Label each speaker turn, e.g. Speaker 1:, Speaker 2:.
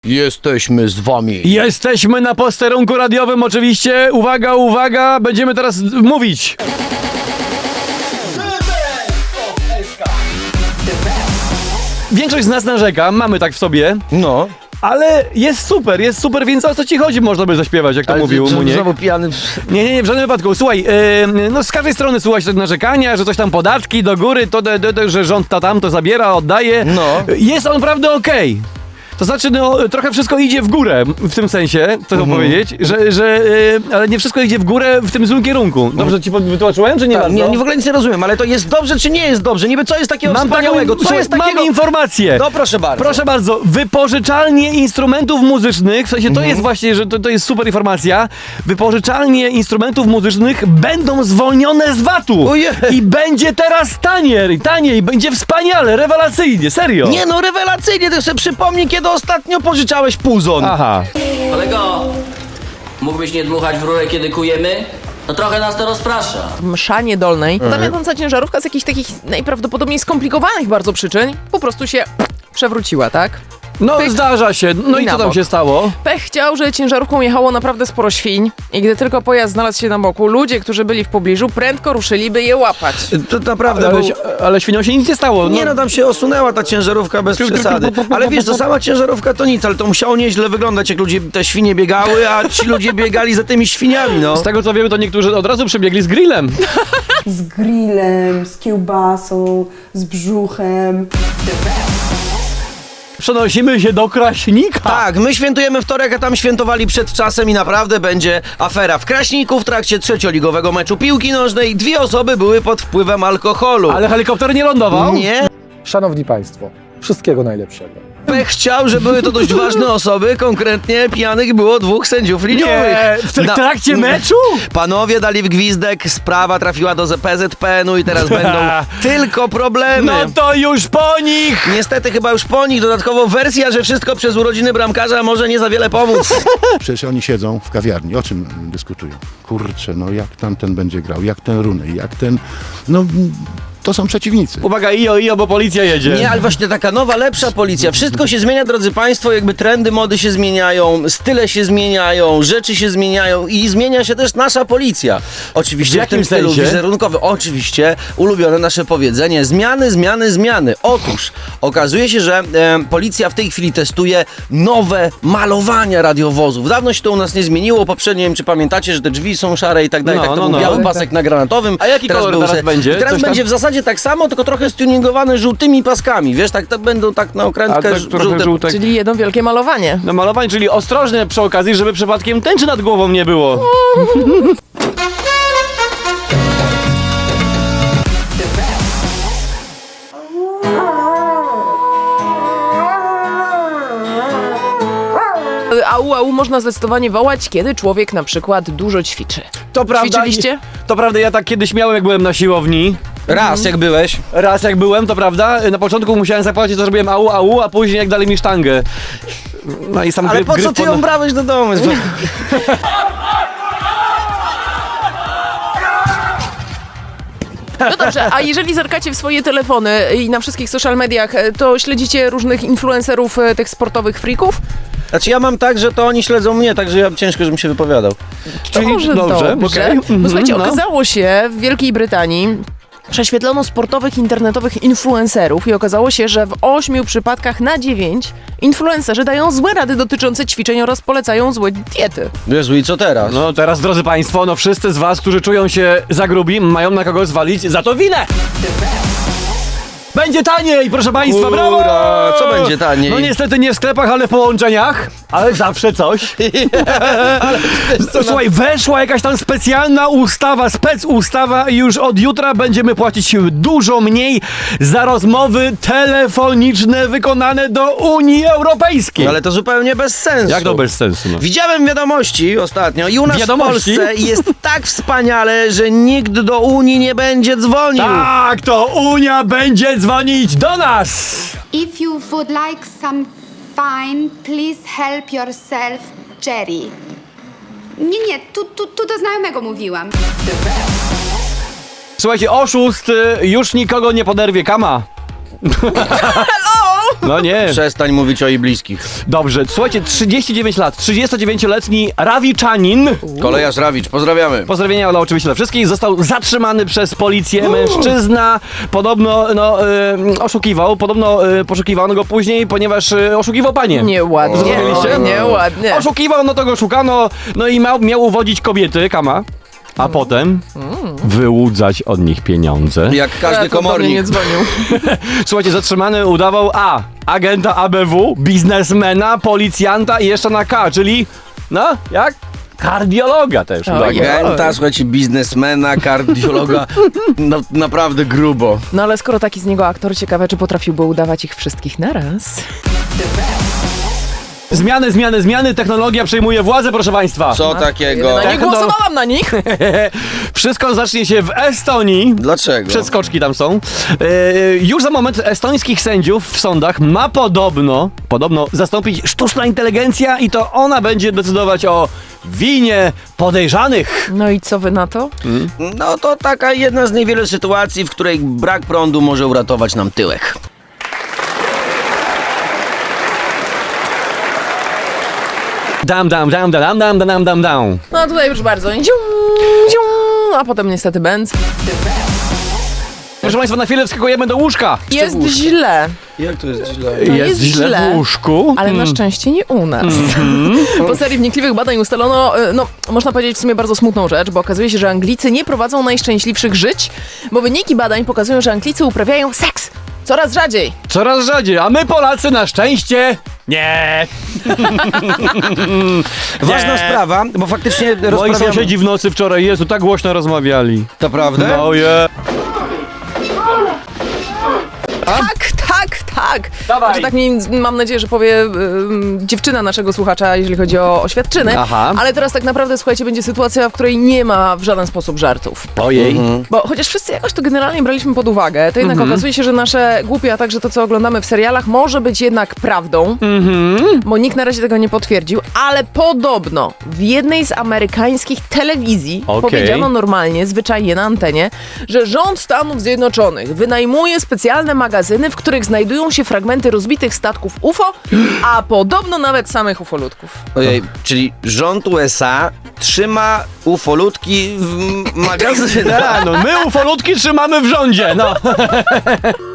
Speaker 1: Jesteśmy z wami.
Speaker 2: Jesteśmy na posterunku radiowym oczywiście. Uwaga, uwaga, będziemy teraz mówić. Większość z nas narzeka, mamy tak w sobie.
Speaker 1: No.
Speaker 2: Ale jest super, więc o co ci chodzi, można by zaśpiewać, jak to mówił Muniek.
Speaker 1: Znowu pijany.
Speaker 2: Nie, w żadnym wypadku. Słuchaj, no z każdej strony słuchać te narzekania, że coś tam podatki do góry, że rząd to zabiera, oddaje.
Speaker 1: No.
Speaker 2: Jest on naprawdę okej. To znaczy, no, trochę wszystko idzie w górę, w tym sensie, chcę powiedzieć, ale nie wszystko idzie w górę w tym złym kierunku. Dobrze ci wytłumaczyłem, czy nie
Speaker 1: Tak,
Speaker 2: bardzo?
Speaker 1: nie, w ogóle nic nie rozumiem, ale to jest dobrze, czy nie jest dobrze? Niby co jest takiego wspaniałego? Co jest takiego?
Speaker 2: Mam informację.
Speaker 1: No proszę bardzo.
Speaker 2: Proszę bardzo, wypożyczalnie instrumentów muzycznych, w sensie to jest właśnie, że to jest super informacja, wypożyczalnie instrumentów muzycznych będą zwolnione z VAT-u.
Speaker 1: Ojej.
Speaker 2: I będzie teraz taniej, będzie wspaniale, rewelacyjnie, serio.
Speaker 1: Nie no, rewelacyjnie, to sobie przypomnij, kiedy ostatnio pożyczałeś puzon.
Speaker 2: Aha.
Speaker 3: Kolego, mógłbyś nie dmuchać w rurę, kiedy kujemy? No trochę nas to rozprasza.
Speaker 4: Mszanie dolnej. Ta jadąca ciężarówka z jakichś takich najprawdopodobniej skomplikowanych bardzo przyczyn po prostu się przewróciła, tak?
Speaker 2: No
Speaker 4: Pyk.
Speaker 2: zdarza się, no i
Speaker 4: Na
Speaker 2: co tam
Speaker 4: bok.
Speaker 2: się stało?
Speaker 4: Pech chciał, że ciężarówką jechało naprawdę sporo świń i gdy tylko pojazd znalazł się na boku, ludzie, którzy byli w pobliżu, prędko ruszyli, by je łapać.
Speaker 1: To naprawdę
Speaker 2: Ale świniom się nic nie stało.
Speaker 1: Nie no, tam się osunęła ta ciężarówka bez przesady. Ale wiesz, to sama ciężarówka to nic, ale to musiało nieźle wyglądać, jak ludzie, te świnie biegały, a ci ludzie biegali za tymi świniami, no.
Speaker 2: Z tego co wiemy, to niektórzy od razu przybiegli z grillem.
Speaker 5: Z grillem, z kiełbasą, z brzuchem.
Speaker 2: Przenosimy się do Kraśnika.
Speaker 1: Tak, my świętujemy wtorek, a tam świętowali przed czasem i naprawdę będzie afera. W Kraśniku w trakcie trzecioligowego meczu piłki nożnej 2 osoby były pod wpływem alkoholu.
Speaker 2: Ale helikopter nie lądował?
Speaker 1: Nie,
Speaker 6: Szanowni Państwo, wszystkiego najlepszego.
Speaker 1: Pech chciał, że były to dość ważne osoby, konkretnie pijanych było 2 sędziów liniowych.
Speaker 2: Nie, w trakcie meczu?
Speaker 1: Panowie dali w gwizdek, sprawa trafiła do PZPN-u i teraz będą tylko problemy.
Speaker 2: No to już po nich!
Speaker 1: Niestety chyba już po nich, dodatkowo wersja, że wszystko przez urodziny bramkarza może nie za wiele pomóc.
Speaker 7: Przecież oni siedzą w kawiarni, o czym dyskutują? Kurczę, no jak tamten będzie grał, jak ten Runej, jak ten... No, to są przeciwnicy.
Speaker 2: Uwaga, ijo, bo policja jedzie.
Speaker 1: Nie, ale właśnie taka nowa, lepsza policja. Wszystko się zmienia, drodzy Państwo, jakby trendy mody się zmieniają, style się zmieniają, rzeczy się zmieniają i zmienia się też nasza policja. Oczywiście w
Speaker 2: jakim
Speaker 1: tym stylu
Speaker 2: sensie?
Speaker 1: wizerunkowym. Oczywiście ulubione nasze powiedzenie. Zmiany. Otóż okazuje się, że policja w tej chwili testuje nowe malowania radiowozów. Dawno się to u nas nie zmieniło. Poprzednio, nie wiem czy pamiętacie, że te drzwi są szare i tak dalej.
Speaker 2: No,
Speaker 1: Tak to
Speaker 2: no,
Speaker 1: był
Speaker 2: no.
Speaker 1: biały pasek na granatowym.
Speaker 2: A jaki kolor
Speaker 1: był
Speaker 2: teraz będzie?
Speaker 1: Teraz
Speaker 2: Coś tam-
Speaker 1: będzie w zasadzie tak samo, tylko trochę stuningowane żółtymi paskami. Wiesz, tak to będą tak na
Speaker 2: A
Speaker 1: okrętkę
Speaker 2: tak trochę żółtek.
Speaker 4: Czyli jedno wielkie malowanie.
Speaker 2: No malowanie, czyli ostrożnie przy okazji, żeby przypadkiem tęczy nad głową nie było.
Speaker 4: Au można zdecydowanie wołać, kiedy człowiek na przykład dużo ćwiczy.
Speaker 2: To prawda.
Speaker 4: Ćwiczyliście?
Speaker 2: To prawda, ja tak kiedyś miałem, jak byłem na siłowni.
Speaker 1: Raz, jak byłeś.
Speaker 2: Raz jak byłem, to prawda, na początku musiałem zapłacić, to zrobiłem au, a później jak dali mi sztangę. No i sam
Speaker 1: Ale po co ty ją brałeś do domu?
Speaker 4: No dobrze, a jeżeli zerkacie w swoje telefony i na wszystkich social mediach, to śledzicie różnych influencerów, tych sportowych freaków?
Speaker 1: Znaczy ja mam tak, że to oni śledzą mnie, także ja ciężko, żebym się wypowiadał.
Speaker 2: Czyli
Speaker 4: Może
Speaker 2: dobrze, okej.
Speaker 4: Bo słuchajcie,
Speaker 2: No.
Speaker 4: okazało się w Wielkiej Brytanii, prześwietlono sportowych internetowych influencerów i okazało się, że w 8 przypadkach na 9 influencerzy dają złe rady dotyczące ćwiczeń oraz polecają złe diety.
Speaker 1: Jezu, i co teraz?
Speaker 2: No teraz, drodzy Państwo, no wszyscy z Was, którzy czują się za grubi, mają na kogo zwalić za to winę! Będzie taniej, proszę Państwa,
Speaker 1: Ura,
Speaker 2: brawo!
Speaker 1: co będzie taniej?
Speaker 2: No niestety nie w sklepach, ale w połączeniach, ale zawsze coś. Słuchaj, weszła jakaś tam specjalna ustawa, specustawa i już od jutra będziemy płacić dużo mniej za rozmowy telefoniczne wykonane do Unii Europejskiej.
Speaker 1: Ale to zupełnie bez sensu.
Speaker 2: Jak to bez sensu? No?
Speaker 1: Widziałem wiadomości ostatnio i u nas
Speaker 2: Wiadomości?
Speaker 1: w Polsce jest tak wspaniale, że nikt do Unii nie będzie dzwonił.
Speaker 2: Tak, to Unia będzie dzwonić do nas!
Speaker 8: If you would like some fine, please help yourself, Jerry. Nie, tu do znajomego mówiłam.
Speaker 2: Słuchajcie, oszust już nikogo nie poderwie, kama.
Speaker 4: Hello!
Speaker 2: No nie.
Speaker 1: Przestań mówić o jej bliskich.
Speaker 2: Dobrze, słuchajcie, 39 lat, 39-letni Rawiczanin,
Speaker 1: Kolejarz Rawicz, pozdrawiamy.
Speaker 2: pozdrowienia oczywiście dla wszystkich, został zatrzymany przez policję. Mężczyzna podobno oszukiwał, poszukiwano go później, ponieważ oszukiwał panie.
Speaker 4: Nieładnie.
Speaker 2: Zrozumieliście?
Speaker 4: Nieładnie.
Speaker 2: Oszukiwał, no to go szukano, no i miał uwodzić kobiety, kama, a potem wyłudzać od nich pieniądze.
Speaker 1: Jak każdy
Speaker 4: Akurat do mnie nie
Speaker 1: komornik.
Speaker 4: dzwonił.
Speaker 2: Słuchajcie, zatrzymany udawał agenta ABW, biznesmena, policjanta i jeszcze na K, czyli, no, jak? Kardiologa też udawał.
Speaker 1: Agenta, słuchajcie, biznesmena, kardiologa. No, naprawdę grubo.
Speaker 4: No ale skoro taki z niego aktor, ciekawe, czy potrafiłby udawać ich wszystkich naraz.
Speaker 2: Zmiany, technologia przejmuje władzę, proszę państwa.
Speaker 1: Co takiego?
Speaker 4: Nie głosowałam na nich.
Speaker 2: Wszystko zacznie się w Estonii.
Speaker 1: Dlaczego?
Speaker 2: Przeskoczki tam są. Już za moment estońskich sędziów w sądach ma podobno zastąpić sztuczna inteligencja i to ona będzie decydować o winie podejrzanych.
Speaker 4: No i co wy na to?
Speaker 1: No to taka jedna z niewielu sytuacji, w której brak prądu może uratować nam tyłek.
Speaker 2: Dam.
Speaker 4: No tutaj proszę bardzo. Zium, zium, a potem niestety bęc.
Speaker 2: Proszę państwa, na chwilę wskakujemy do łóżka.
Speaker 4: Jest źle.
Speaker 1: Jak to jest źle?
Speaker 4: No jest źle.
Speaker 2: w łóżku.
Speaker 4: Ale na szczęście nie u nas. Po serii wnikliwych badań ustalono, no można powiedzieć w sumie bardzo smutną rzecz, bo okazuje się, że Anglicy nie prowadzą najszczęśliwszych żyć, bo wyniki badań pokazują, że Anglicy uprawiają seks coraz rzadziej.
Speaker 2: Coraz rzadziej, a my Polacy na szczęście nie.
Speaker 1: Ważna sprawa, bo faktycznie
Speaker 2: Moi
Speaker 1: rozprawiamy...
Speaker 2: sąsiedzi w nocy wczoraj, Jezu, tak głośno rozmawiali.
Speaker 1: To prawda?
Speaker 2: No je.
Speaker 4: Tak.
Speaker 2: Dawaj.
Speaker 4: Że tak mam nadzieję, że powie dziewczyna naszego słuchacza, jeżeli chodzi o oświadczyny.
Speaker 2: Aha.
Speaker 4: Ale teraz tak naprawdę, słuchajcie, będzie sytuacja, w której nie ma w żaden sposób żartów.
Speaker 2: Ojej.
Speaker 4: Bo chociaż wszyscy jakoś to generalnie braliśmy pod uwagę, to jednak okazuje się, że nasze głupie, a także to, co oglądamy w serialach, może być jednak prawdą, bo nikt na razie tego nie potwierdził, ale podobno w jednej z amerykańskich telewizji powiedziano normalnie, zwyczajnie na antenie, że rząd Stanów Zjednoczonych wynajmuje specjalne magazyny, w których znajdują się fragmenty rozbitych statków UFO, a podobno nawet samych ufolutków.
Speaker 1: Ojej, czyli rząd USA trzyma ufolutki w magazynach.
Speaker 2: No my ufolutki trzymamy w rządzie, no.